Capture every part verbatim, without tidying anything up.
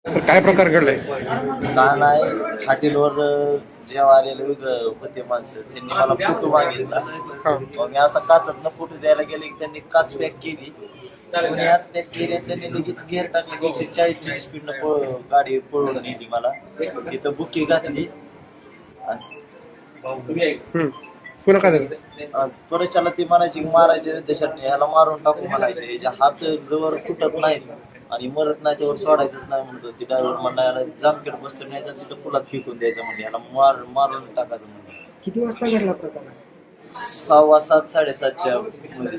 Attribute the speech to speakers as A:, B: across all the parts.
A: तर काय प्रकार घडलाय?
B: का नाही हॉटेलवर जेव्हा आलेले होते माणसं त्यांनी मला फोटो मागितला.
A: हा.
B: मग मी असा काचातनं फोटो द्यायला गेले की त्यांनी काच पॅक केली. कोणी आत पॅक केली आणि त्यांनी लगेच गेअर टाकले की एकशे चाळीसची स्पीडनं गाडी पळवून नेली. मला तिथं बुकी घातली
A: हम्म. पुन्हा काय झालं?
B: त्वरेच्याला ती म्हणायची की मारायचे देशात ह्याला मारून टाकू म्हणायचे. याच्या हात जवळ फुटत नाहीत आणि मरत नाही त्यावर सोडायचंच नाही म्हणत होती. ड्रायव्हर म्हणला याला जामखेड बसतं नाही तर तिथं पुलात फेकून द्यायचं म्हणजे याला मार मारून टाकायचं म्हणजे.
C: किती वाजता घडला प्रकार?
B: सहावा सात साडेसातच्या मध्ये.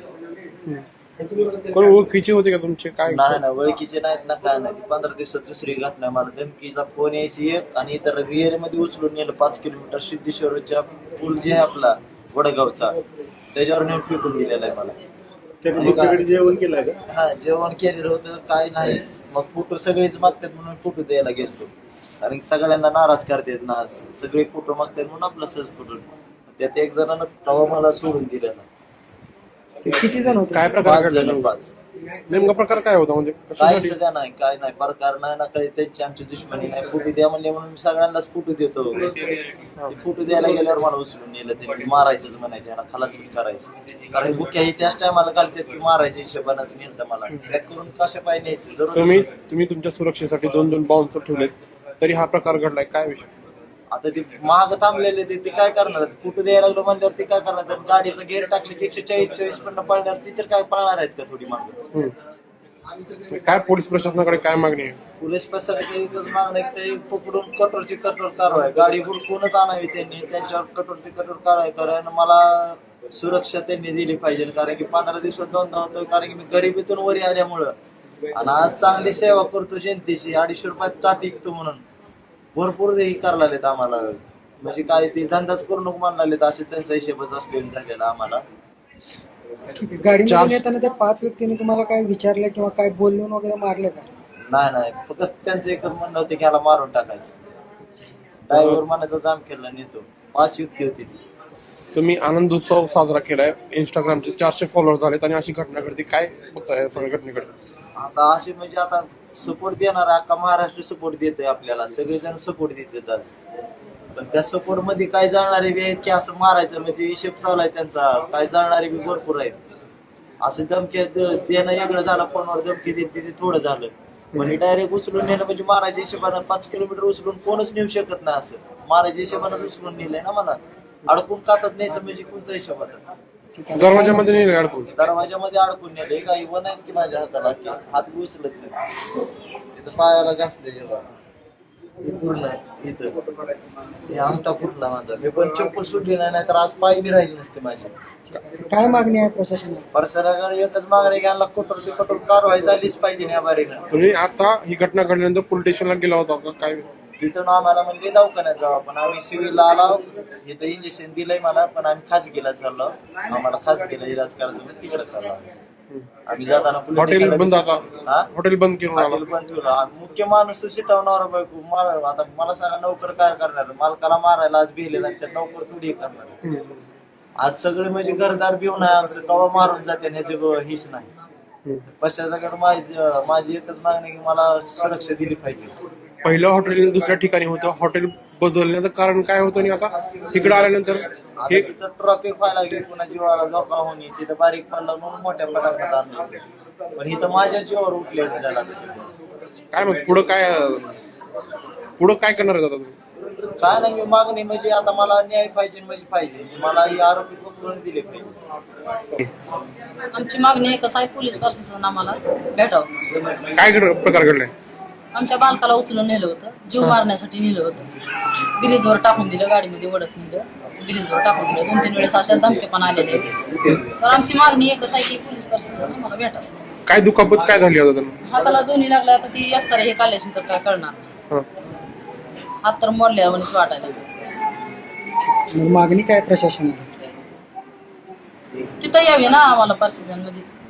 A: कोण ओळखीचे होते का तुमचे? काय
B: नाही ना ओळखीचे नाहीत ना काय नाही. पंधरा दिवसात दुसरी घटना. मला धमकीचा फोन यायची एक आणि इतर रिअर मध्ये उचलून नेलं पाच किलोमीटर सिद्धेश्वरच्या पूल जे आहे आपला वडगावचा त्याच्यावर नेऊन फेकून दिलेला आहे मला.
D: जेवण केलं का?
B: हा जेवण केलेलं होतं काय नाही. मग फोटो सगळेच मागतात म्हणून फोटो द्यायला गेलो. कारण की सगळ्यांना नाराज करतात ना, सगळे फोटो मागतात म्हणून आपला सहज फोटो. त्यात एक जणांना तवा मला सोडून दिलेला.
C: किती जण होते?
A: काय प्रकार
B: पाच
A: घडला?
B: जण पाच.
A: नेमका प्रकार काय होता? म्हणजे
B: काय
A: कशासाठी?
B: सध्या नाही काय नाही प्रकार नाही ना काही. त्यांची आमची दुश्मनी नाही. फोटो द्या म्हणले म्हणून मी सगळ्यांनाच फोटो देतो. फोटो द्यायला गेल्यावर मला उचलून नेलं. त्यांनी मारायचंच म्हणायचे, याला खलासच करायचं. कारण बुक्या ही त्याच टायमाला घालतात की मारायच्या हिशोबानंच नेलं मला. बॅक करून कशा पाय न्यायचं जरूर.
A: तुम्ही तुम्ही तुमच्या सुरक्षेसाठी दोन दोन बाउन्सर ठेवलेत तरी हा प्रकार घडलाय. काय विषय?
B: आता ते महाग थांबलेले ते ते काय करणार? फोटो द्यायला लागलो म्हणल्यावर ते काय करणार? तर गाडीचं गेअर टाकले की एकशे चाळीस चाळीस पण पळणार. ती तर काय पळणार आहेत का थोडी मागं?
A: हम्म. काय पोलीस प्रशासनाकडे काय मागणी आहे?
B: पोलीस प्रशासनाची एकच मागणं आहे की ते पकडून कठोरची कठोर कारवाई. गाडी हुडकूनच आणावी त्यांनी. त्यांच्यावर कठोरची कठोर कारवाई कारण मला सुरक्षा त्यांनी दिली पाहिजे. कारण की पंधरा दिवसात दोनदा होतोय. कारण की मी गरिबीतून वरी आल्यामुळं आणि आज चांगली सेवा करतो जनतेची. अडीचशे रुपयात टाट विकतो म्हणून भरपूर हे करायला लागलेत आम्हाला. म्हणजे काय ते धंदाच करू नको म्हणायला लागलेत. असे त्यांचा हिशेबच असलेला झालेला आम्हाला.
C: गाडीमध्ये येताना त्या पाच व्यक्तींनी तुम्हाला काय विचारलं किंवा काय बोलून वगैरे मारले का?
B: नाही नाही फक्त त्यांचं एकच म्हणणं होतं की ह्याला मारून टाकायचं. ड्रायव्हर म्हणायचा जाम केला नेतो. पाच युक्ती होती.
A: तुम्ही आनंद उत्सव साजरा केलाय. इंस्टाग्रामचे चारशे फॉलोअर झालेत आणि अशी घटना घडते. काय बघताय या सगळ्या घटनेकडे?
B: आता असे म्हणजे आता सपोर्ट देणार अख्खा महाराष्ट्र सपोर्ट देतोय आपल्याला. सगळेजण सपोर्ट देतात आज. पण त्या सपोर्ट मध्ये काय जाणारे बी आहेत की असं मारायचं म्हणजे हिशेब चालू आहे त्यांचा. काय जाणारे बी भरपूर आहेत. असं धमकी देणं वेगळं झालं. फोनवर धमकी देत ते थोडं झालं. पण डायरेक्ट उचलून नेलं म्हणजे मारायच्या हिशोबानं पाच किलोमीटर उचलून कोणच नेऊ शकत नाही. असं मारायच्या हिशोबानं उचलून नेलंय ना मला. अडकून काचत न्यायचं म्हणजे कोणचा हिशोब आता?
A: दरवाजामध्ये नाही अडकून?
B: दरवाजामध्ये अडकून नेले. काही वन आहेत की माझ्या हाताला की हात उचलत नाही. इथं पायाला घासले पूर्ण इथं हे आमटा फुटला माझा. मी पण चप्पल सुटली नाही तर आज पाय बी राहिली नसते माझी.
C: काय मागणी आहे प्रशासनाला?
B: प्रशासनाकडे एकच मागणी घ्यायला कठोर ते कठोर कारवाई झालीच पाहिजे या बारीनं.
A: तुम्ही आता ही घटना घडल्यानंतर पोलीस स्टेशनला गेला होता का? काय?
B: तिथून आम्हाला म्हणजे दवाखान्यात जाऊ. पण आम्ही सिव्हिलला आलो. इथं इंजेक्शन दिलंय मला. पण आम्ही खासगीला चाललो. आम्हाला खासगीला इलाज करायचं तिकडे चाललो आम्ही. जाताना
A: हॉटेल बंद आता?
B: हा
A: हॉटेल बंद केलं?
B: हॉटेल बंद ठेवलं. मुख्य माणूस शिटवणार बायको मार. आता मला सांगा नोकर काय करणार? मालकाला मारायला आज भिले नाही तर नोकर थोडी करणार. आज सगळे म्हणजे घरदार भिवून आहे आमचं. कवा मारून जाते ह्याची हीच नाही. पश्चात माझी माझी एकच मागणी की मला सुरक्षा दिली पाहिजे.
A: पहिलं हॉटेल दुसऱ्या ठिकाणी होतं. हॉटेल बदलण्याचं कारण काय होतं आणि आता इकडे आल्यानंतर
B: आता तिथं ट्रॉफिक व्हायला लागली. पुन्हा जीवाला धोका होणे. तिथं बारीक पडला म्हणून मोठ्या पटापट आणलं. पण इथं माझ्या जीवावर उठले झाला.
A: काय मग पुढं काय पुढं काय करणार आहे आता तुम्ही?
B: काय नाही मी मागणी म्हणजे आता मला न्याय पाहिजे म्हणजे पाहिजे. मला ही आरोपी पकडून दिले पाहिजे.
E: आमची मागणी एकच आहे, पोलीस प्रशासन आम्हाला भेटावं.
A: काय घड- प्रकार घडलाय?
E: आमच्या बालकाला उचलून नेलं होतं. जीव मारण्यासाठी नेलं होतं. ब्रिजवर टाकून दिलं. गाडीमध्ये वडत नेलं. ब्रिजवर टाकून दिलं. दोन तीन वेळेस अशा धमके पण आलेले. तर आमची मागणी एकच आहे की पोलीस प्रशासन आम्हाला भेटावं.
A: काय दुखापत काय झाली आता त्यांना?
E: हाताला दोन्ही लागल्या. आता ती एक्सरे हे काढल्याशिवाय तर काय करणार?
A: हं.
E: हात तर मोडल्या म्हणजे वाटायला.
C: मग मागणी काय प्रशासनाला?
E: तिथं यावी ना आम्हाला प्रशासन म्हणजे